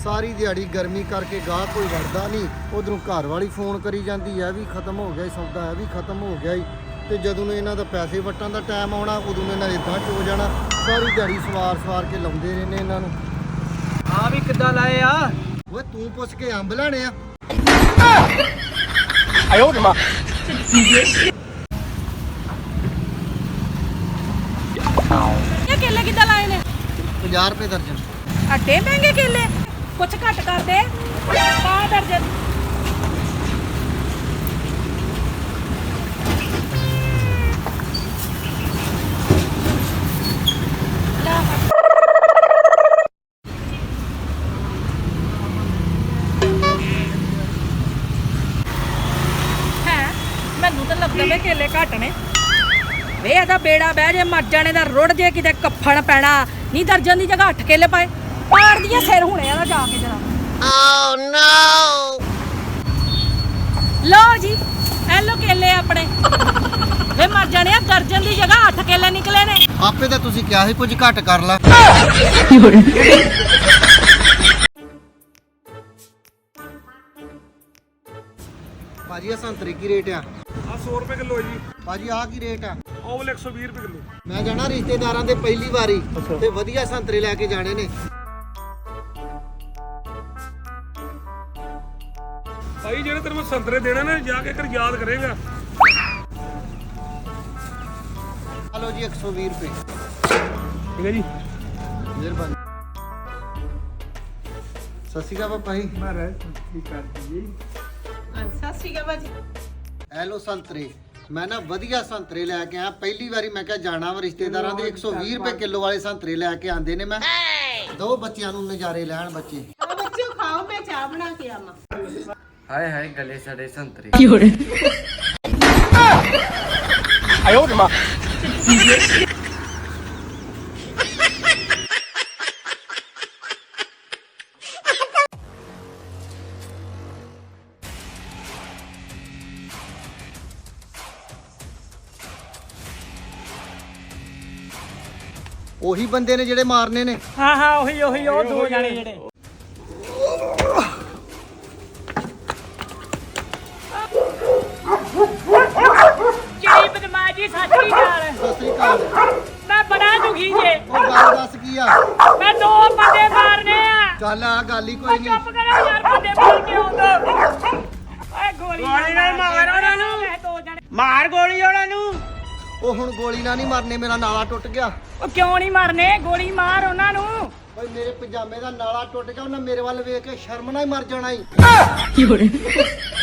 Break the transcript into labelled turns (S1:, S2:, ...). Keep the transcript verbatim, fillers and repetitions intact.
S1: ਸਾਰੀ ਦਿਹਾੜੀ ਗਰਮੀ ਕਰਕੇ ਗਾਹ ਕੋਈ ਵੜਦਾ ਨਹੀਂ। ਉਧਰੋਂ ਘਰ ਵਾਲੀ ਫੋਨ ਕਰੀ ਜਾਂਦੀ ਹੈ ਵੀ ਖਤਮ ਹੋ ਗਿਆ ਸੌਦਾ, ਇਹ ਵੀ ਖਤਮ ਹੋ ਗਿਆ। ਤੇ ਜਦੋਂ ਨੂੰ ਇਹਨਾਂ ਦਾ ਪੈਸੇ ਵਟਣ ਦਾ ਟਾਈਮ ਆਉਣਾ ਉਦੋਂ ਨੂੰ ਇਹਨਾਂ ਇਦਾਂ ਹੋ ਜਾਣਾ। ਸਾਰੀ ਦਿਹਾੜੀ ਸਵਾਰ ਸਵਾਰ ਕੇ ਲਾਉਂਦੇ ਰਹਿੰਦੇ ਇਹਨਾਂ ਨੂੰ।
S2: ਆ ਵੀ ਕਿੱਦਾਂ ਲਾਏ ਆ?
S1: ਓਏ ਤੂੰ ਪੁੱਛ ਕੇ ਅੰਬ ਲੈਣੇ ਆ।
S2: ਆਇਓ ਮਾ
S3: ਇਹ ਕੇਲੇ ਕਿੱਦਾਂ ਲਾਏ ਨੇ?
S1: ਪੰਜਾਹ ਰੁਪਏ ਦਰਜਨ।
S3: ਅੱਡੇ ਮਹਿੰਗੇ ਕੇਲੇ, ਕੁਛ ਘੱਟ ਕਰ ਦੇ। ਪਾ ਦਰਜਨ। ਹੈ ਮੈਨੂੰ ਤਾਂ ਲੱਗਦਾ ਵੇ ਕੇਲੇ ਘੱਟ ਨੇ। ਵੇ ਇਹਦਾ ਬੇੜਾ ਬਹਿ ਜੇ, ਮਰ ਜਾਣੇ ਦਾ ਰੁੜ ਜੇ, ਕਿਤੇ ਕੱਫਣ ਪੈਣਾ ਨਹੀਂ। ਦਰਜਨ ਦੀ ਜਗ੍ਹਾ ਅੱਠ ਕੇਲੇ ਪਾਏ। ਪਾੜ ਦੀਆਂ ਸਿਰ ਹੁਣੇ ਇਹਦਾ ਜਾ ਕੇ ਜਰਾ। ਓ ਨੋ ਲੋ ਜੀ, ਐ ਲੋ ਕੇਲੇ ਆਪਣੇ। ਵੇ ਮਰ ਜਾਣੇ ਆ, ਦਰਜਨ ਦੀ ਜਗ੍ਹਾ ਅੱਠ ਕੇਲੇ ਨਿਕਲੇ ਨੇ।
S1: ਆਪੇ ਤਾਂ ਤੁਸੀਂ ਕਿਹਾ ਸੀ ਕੁਝ ਘੱਟ ਕਰ ਲਾ। ਭਾਜੀ ਆ ਸੰਤਰੇ ਕੀ ਰੇਟ ਆ?
S4: ਆ ਸੌ ਰੁਪਏ ਕਿਲੋ ਜੀ।
S1: ਭਾਜੀ ਆ ਕੀ ਰੇਟ ਆ?
S4: ਉਹ ਵਾਲੇ ਇੱਕ ਸੌ ਵੀਹ ਰੁਪਏ ਕਿਲੋ।
S1: ਮੈਂ ਜਾਣਾ ਰਿਸ਼ਤੇਦਾਰਾਂ ਦੇ ਪਹਿਲੀ ਵਾਰੀ ਤੇ ਵਧੀਆ ਸੰਤਰੇ ਲੈ ਕੇ ਜਾਣੇ ਨੇ।
S4: ਭਾਈ ਜਿਹੜੇ ਤੈਨੂੰ ਮੈਂ ਸੰਤਰੇ ਦੇਣੇ ਨੇ ਜਾ ਕੇ ਕਰ ਯਾਦ ਕਰੇਗਾ।
S1: ਹਲੋ ਜੀ ਇੱਕ ਸੌ ਵੀਹ ਰੁਪਏ।
S4: ਠੀਕ ਹੈ ਜੀ,
S1: ਮਿਹਰਬਾਨੀ। ਸਤਿ ਸ਼੍ਰੀ ਅਕਾਲ ਪਾਪਾ ਜੀ।
S4: ਮਹਾਰਾਜ ਠੀਕ ਕਰ ਜੀ।
S3: ਸਤਿ ਸ਼੍ਰੀ ਅਕਾਲ ਭਾਜੀ।
S1: ਐ ਲੋ ਸੰਤਰੇ। ਮੈਂ ਨਾ ਵਧੀਆ ਸੰਤਰੇ ਲੈ ਕੇ ਆਇਆ ਪਹਿਲੀ ਵਾਰੀ। ਮੈਂ ਕਿਹਾ ਜਾਣਾ ਵਾ ਰਿਸ਼ਤੇਦਾਰਾਂ ਦੇ। ਇੱਕ ਸੌ ਵੀਹ ਰੁਪਏ ਕਿਲੋ ਵਾਲੇ ਸੰਤਰੇ ਲੈ ਕੇ ਆਂਦੇ ਨੇ। ਮੈਂ ਦੋ ਬੱਚਿਆਂ ਨੂੰ ਨਜ਼ਾਰੇ ਲੈਣ ਬੱਚੇ।
S3: ਬੱਚਿਓ ਖਾਓ, ਮੈਂ ਚਾਹ ਬਣਾ ਕੇ ਆਵਾਂ।
S2: ਹਾਏ ਹਾਏ ਗਲੇ ਸੜੇ ਸੰਤਰੇ।
S4: ਆਇਓ ਮਾ
S1: ਉਹੀ ਬੰਦੇ ਨੇ ਜਿਹੜੇ ਮਾਰਨੇ ਨੇ।
S2: ਹਾਂ ਹਾਂ ਉਹੀ ਉਹੀ ਉਹ ਦੋ ਜਾਣੇ ਜਿਹੜੇ।
S3: ਜਿਹੜੀ ਬਦਮਾਜੀ ਸਾਚੀ ਨਾਲ
S1: ਸਤਿ ਸ਼੍ਰੀ ਅਕਾਲ।
S3: ਮੈਂ ਬੜਾ ਦੁਖੀ ਜੇ।
S1: ਉਹ ਗੱਲ ਦੱਸ ਕੀ ਆ?
S3: ਮੈਂ ਦੋ ਬੰਦੇ ਮਾਰਨੇ ਆ।
S1: ਚੱਲ ਆ ਗੱਲ ਹੀ ਕੋਈ ਨਹੀਂ।
S3: ਚੁੱਪ ਕਰੋ ਯਾਰ, ਬੰਦੇ ਮਾਰ ਕੇ ਆਉਂਦਾ। ਓਏ ਗੋਲੀ ਨਾਲ ਮਾਰ ਉਹਨਾਂ ਨੂੰ। ਮੈਂ ਦੋ ਜਣੇ
S2: ਮਾਰ ਗੋਲੀ ਉਹਨਾਂ ਨੂੰ।
S1: ਉਹ ਹੁਣ ਗੋਲੀ ਨਾਲ ਨਹੀਂ ਮਰਨੇ, ਮੇਰਾ ਨਾਲਾ ਟੁੱਟ ਗਿਆ।
S3: ਉਹ ਕਿਉਂ ਨਹੀਂ ਮਾਰਨੇ? ਗੋਲੀ ਮਾਰ ਉਹਨਾਂ ਨੂੰ।
S1: ਓਏ ਮੇਰੇ ਪਜਾਮੇ ਦਾ ਨਾਲਾ ਟੁੱਟ ਗਿਆ। ਉਹਨਾਂ ਮੇਰੇ ਵੱਲ ਵੇਖ ਕੇ ਸ਼ਰਮ ਨਾਲ ਹੀ ਮਰ ਜਾਣਾ ਈ।